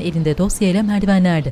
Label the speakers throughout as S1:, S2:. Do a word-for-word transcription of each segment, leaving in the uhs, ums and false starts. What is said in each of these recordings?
S1: elinde dosyayla merdivenlerde.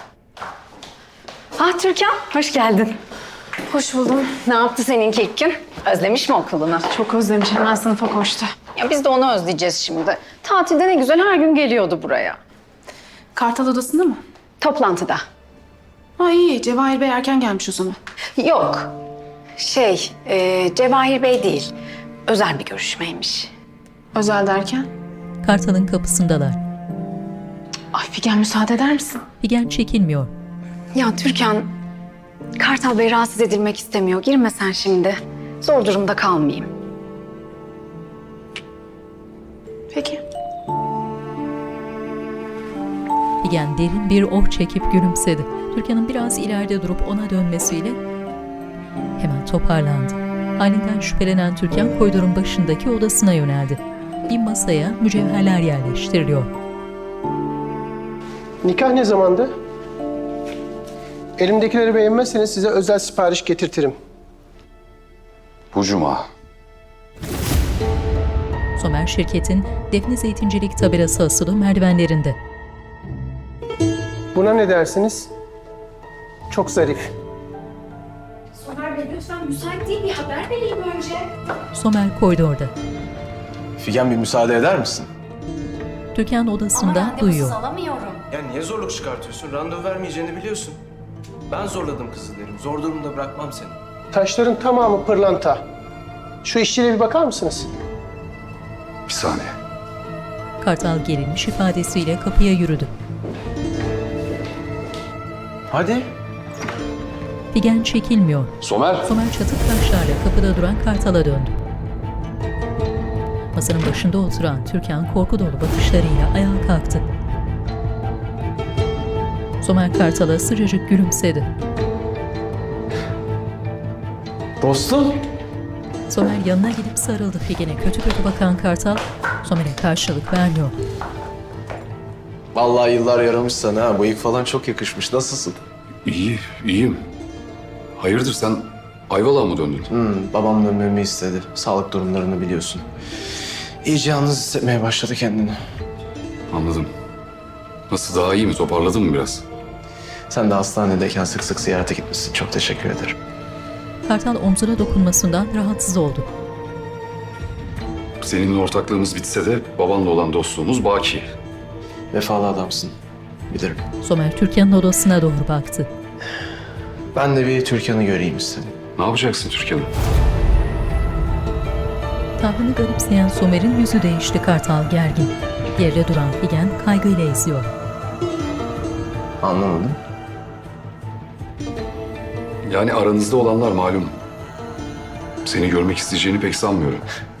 S2: Ah Türkan, hoş geldin.
S3: Hoş buldum.
S2: Ne yaptı seninki ilk gün? Özlemiş mi okulunu?
S3: Çok özlemiş. Hemen sınıfa koştu.
S2: Ya biz de onu özleyeceğiz şimdi. Tatilde ne güzel her gün geliyordu buraya.
S3: Kartal odasında mı?
S2: Toplantıda.
S3: Ha iyi. Cevahir Bey erken gelmiş o zaman.
S2: Yok. Şey, e, Cevahir Bey değil. Özel bir görüşmeymiş.
S3: Özel derken?
S1: Kartal'ın kapısındalar.
S3: Ay Figen müsaade eder misin?
S1: Figen çekilmiyor.
S2: Ya Türkan, Kartal Bey rahatsız edilmek istemiyor. Girme sen şimdi. Zor durumda kalmayayım.
S3: Peki.
S1: Figen derin bir oh çekip gülümsedi. Türkan'ın biraz ileride durup ona dönmesiyle hemen toparlandı. Halinden şüphelenen Türkan koridorun başındaki odasına yöneldi. Bir masaya mücevherler yerleştiriliyor.
S4: Nikah ne zamandı? Elimdekileri beğenmezseniz size özel sipariş getirtirim.
S5: Bu cuma.
S1: Somer şirketin Defne Zeytincilik tabelası asılı merdivenlerinde.
S4: Buna ne dersiniz? Çok zarif.
S6: Somer Bey lütfen müsait değil bir haber vereyim önce.
S1: Somer koridorda.
S5: Figen bir müsaade eder misin?
S1: Türkan odasında duyuyor.
S6: alamıyorum.
S7: Ya niye zorluk çıkartıyorsun? Randevu vermeyeceğini biliyorsun. Ben zorladım kızı derim. Zor durumda bırakmam seni.
S4: Taşların tamamı pırlanta. Şu işçiliğe bir bakar mısınız?
S5: Bir saniye.
S1: Kartal gerilmiş ifadesiyle kapıya yürüdü.
S7: Hadi.
S1: Figen çekilmiyor.
S5: Somer.
S1: Somer çatık taşlarla kapıda duran Kartal'a döndü. Masanın başında oturan Türkan korku dolu bakışlarıyla ayağa kalktı. Somer Kartal'a sıcacık gülümsedi.
S7: Dostum.
S1: Somer yanına gidip sarıldı Figen'e. Kötü kötü bakan Kartal, Somer'e karşılık vermiyor.
S7: Vallahi yıllar yaramış sana ha. Bıyık falan çok yakışmış. Nasılsın?
S5: İyi, iyiyim. Hayırdır sen Ayvalık'a mı döndün?
S7: Hmm, babam dönmemi istedi. Sağlık durumlarını biliyorsun. İyice yalnız hissetmeye başladı kendini.
S5: Anladım. Nasıl daha iyi mi? Toparladın mı biraz?
S7: Sen de hastanedeyken sık sık ziyarete gitmişsin. Çok teşekkür ederim.
S1: Kartal omzuna dokunmasından rahatsız oldu.
S5: Seninle ortaklığımız bitse de babanla olan dostluğumuz baki.
S7: Vefalı adamsın. Bilirim.
S1: Somer Türkan'ın odasına doğru baktı.
S7: Ben de bir Türkan'ı göreyim istedim.
S5: Ne yapacaksın Türkan'ım?
S1: Tavrını garipseyen Somer'in yüzü değişti. Kartal gergin. Yerde duran Figen kaygıyla izliyor.
S7: Anlamadım.
S5: Yani aranızda olanlar malum. Seni görmek isteyeceğini pek sanmıyorum.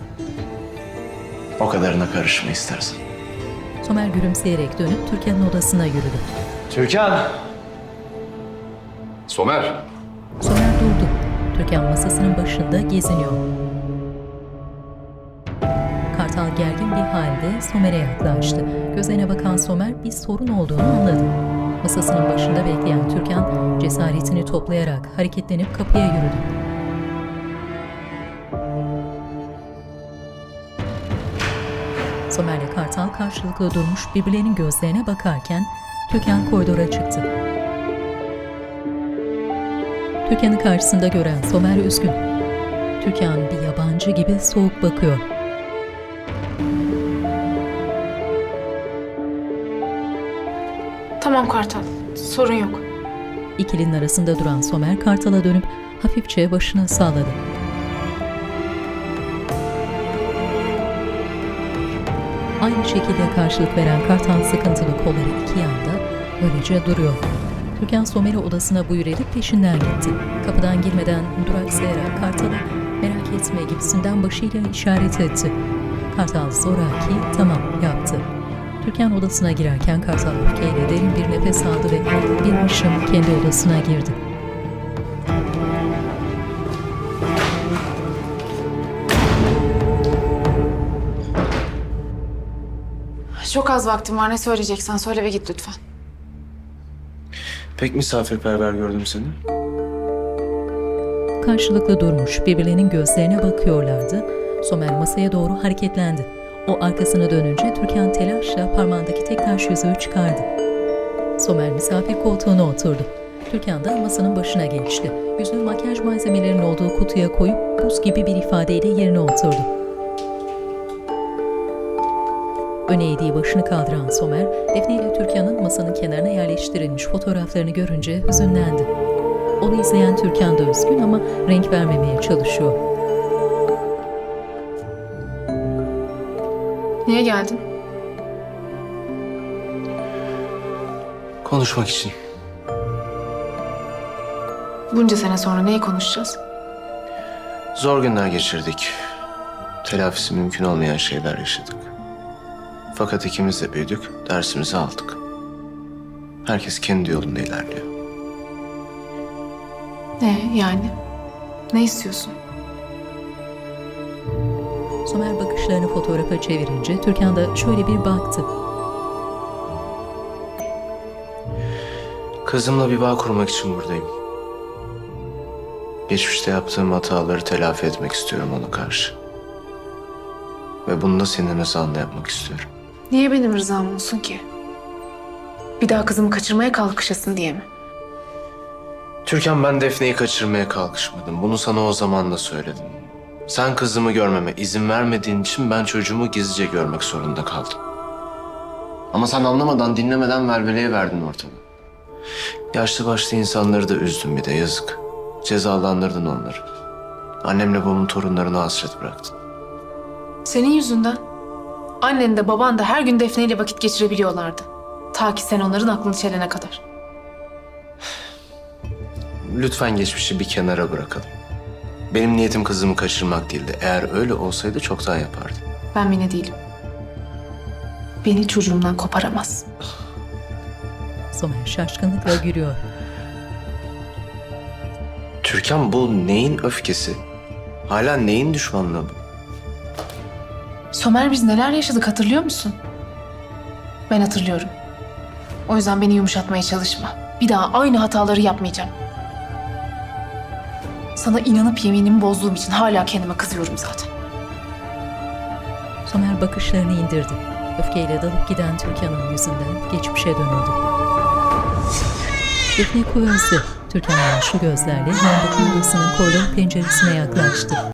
S7: O kadarına karışma istersen.
S1: Somer gülümseyerek dönüp Türkan'ın odasına yürüdü.
S7: Türkan!
S5: Somer!
S1: Somer durdu. Türkan masasının başında geziniyor. Kartal gergin bir halde Somer'e yaklaştı. Gözlerine bakan Somer bir sorun olduğunu anladı. Masasının başında bekleyen Türkan cesaretini toplayarak hareketlenip kapıya yürüdü. Somer'le Kartal karşılıklı durmuş birbirlerinin gözlerine bakarken Türkan koridora çıktı. Türkan'ı karşısında gören Somer üzgün. Türkan bir yabancı gibi soğuk bakıyor.
S3: Tamam Kartal. Sorun yok.
S1: İkilinin arasında duran Somer Kartal'a dönüp hafifçe başını salladı. Aynı şekilde karşılık veren Kartal sıkıntılı kolları iki yanda öylece duruyor. Türkan Somer'i odasına buyur edip peşinden gitti. Kapıdan girmeden duraksayarak Kartal'a merak etme gibisinden başıyla işaret etti. Kartal zoraki tamam yaptı. Türkan odasına girerken Kartal öfkeyle derin bir nefes aldı ve bir hışım kendi odasına girdi.
S3: Çok az vaktim var. Ne söyleyeceksen söyle ve git lütfen.
S7: Pek misafirperver gördüm seni.
S1: Karşılıklı durmuş, birbirlerinin gözlerine bakıyorlardı. Somer masaya doğru hareketlendi. O arkasına dönünce Türkan telaşla parmağındaki tek taş yüzüğü çıkardı. Somer misafir koltuğuna oturdu. Türkan da masanın başına geçti. Yüzünü makyaj malzemelerinin olduğu kutuya koyup buz gibi bir ifadeyle yerine oturdu. Öne eğdiği başını kaldıran Somer, Defne ile Türkan'ın masanın kenarına yerleştirilmiş fotoğraflarını görünce hüzünlendi. Onu izleyen Türkan da üzgün ama renk vermemeye çalışıyor.
S3: Niye geldin?
S7: Konuşmak için.
S3: Bunca sene sonra neyi konuşacağız?
S7: Zor günler geçirdik. Telafisi mümkün olmayan şeyler yaşadık. Fakat ikimiz de büyüdük, dersimizi aldık. Herkes kendi yolunda ilerliyor.
S3: Ne yani? Ne istiyorsun?
S1: Somer bakışlarını fotoğrafa çevirince Türkan da şöyle bir baktı.
S7: Kızımla bir bağ kurmak için buradayım. Geçmişte yaptığım hataları telafi etmek istiyorum ona karşı. Ve bunu da senin rızanla yapmak istiyorum.
S3: Niye benim rızam olsun ki? Bir daha kızımı kaçırmaya kalkışasın diye mi?
S7: Türkan, ben Defne'yi kaçırmaya kalkışmadım. Bunu sana o zaman da söyledim. Sen kızımı görmeme izin vermediğin için ben çocuğumu gizlice görmek zorunda kaldım. Ama sen anlamadan, dinlemeden velveleye verdin ortalığı. Yaşlı başlı insanları da üzdün bir de, yazık. Cezalandırdın onları. Annemle babamın torunlarına hasret bıraktın.
S3: Senin yüzünden. Annen de baban da her gün Defne ile vakit geçirebiliyorlardı. Ta ki sen onların aklını çelene kadar.
S7: Lütfen geçmişi bir kenara bırakalım. Benim niyetim kızımı kaçırmak değildi. Eğer öyle olsaydı çoktan yapardım.
S3: Ben Mine değilim. Beni çocuğumdan koparamaz.
S1: Somer şaşkınlıkla gülüyor.
S7: Türkan, bu neyin öfkesi? Hala neyin düşmanlığı bu?
S3: Somer, biz neler yaşadık hatırlıyor musun? Ben hatırlıyorum. O yüzden beni yumuşatmaya çalışma. Bir daha aynı hataları yapmayacağım. Sana inanıp yeminimi bozduğum için hala kendime kızıyorum zaten.
S1: Somer bakışlarını indirdi. Öfkeyle dalıp giden Türkan'ın yüzünden geçmişe dönüldü. Defne Kuvöz'de Türkan yaşlı gözlerle yandaki odasının koridor penceresine yaklaştı.